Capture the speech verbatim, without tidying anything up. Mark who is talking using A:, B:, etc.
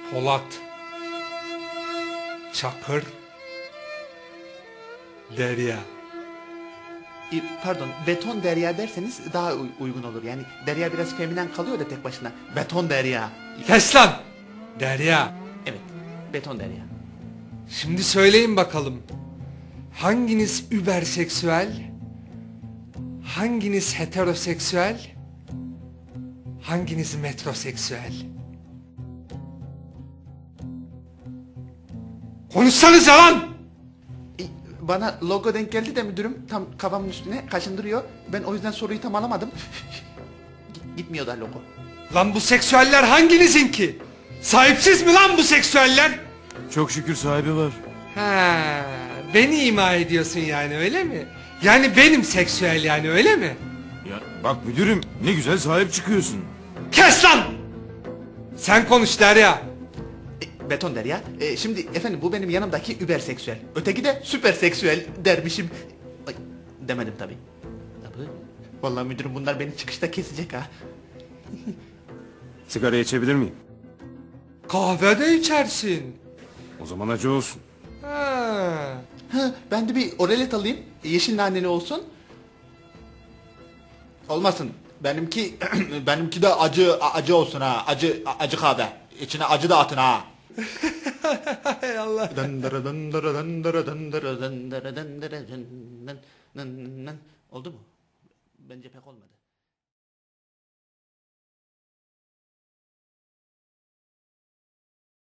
A: Polat, Çakır, Derya.
B: E, Pardon, beton derya derseniz daha uy- uygun olur. Yani derya biraz feminen kalıyor da tek başına. Beton derya.
A: Kes lan! Derya.
B: Evet, beton derya.
A: Şimdi söyleyin bakalım. Hanginiz überseksüel? Hanginiz heteroseksüel? Hanginiz metroseksüel? Konuşsanıza lan!
B: E, Bana logo denk geldi de müdürüm tam kafamın üstüne kaşındırıyor. Ben o yüzden soruyu tam alamadım. Git- Gitmiyor da logo.
A: Lan bu seksüeller hanginizin ki? Sahipsiz mi lan bu seksüeller?
C: Çok şükür sahibi var.
A: Ha, beni ima ediyorsun yani öyle mi? Yani benim seksüel yani öyle mi?
C: Ya bak müdürüm, ne güzel sahip çıkıyorsun.
A: Kes lan! Sen konuş Derya.
B: E, beton derya. E, şimdi efendim bu benim yanımdaki überseksüel. Öteki de süperseksüel dermişim. Ay, demedim tabii. Tabii. Vallahi müdürüm bunlar beni çıkışta kesecek ha.
C: Sigara içebilir miyim?
A: Kahve de içersin.
C: O zaman acı olsun.
A: Ha.
B: Ha, ben de bir oralet alayım. Yeşil naneli olsun. Olmasın. Benimki benimki de acı acı olsun ha. Acı acı kahve. İçine acı da atın ha.
A: Hay Allah.
B: Dındırı dındırı dındırı dındırı dındırı dındırı dın dın dın dın. Oldu mu? Bence pek olmadı.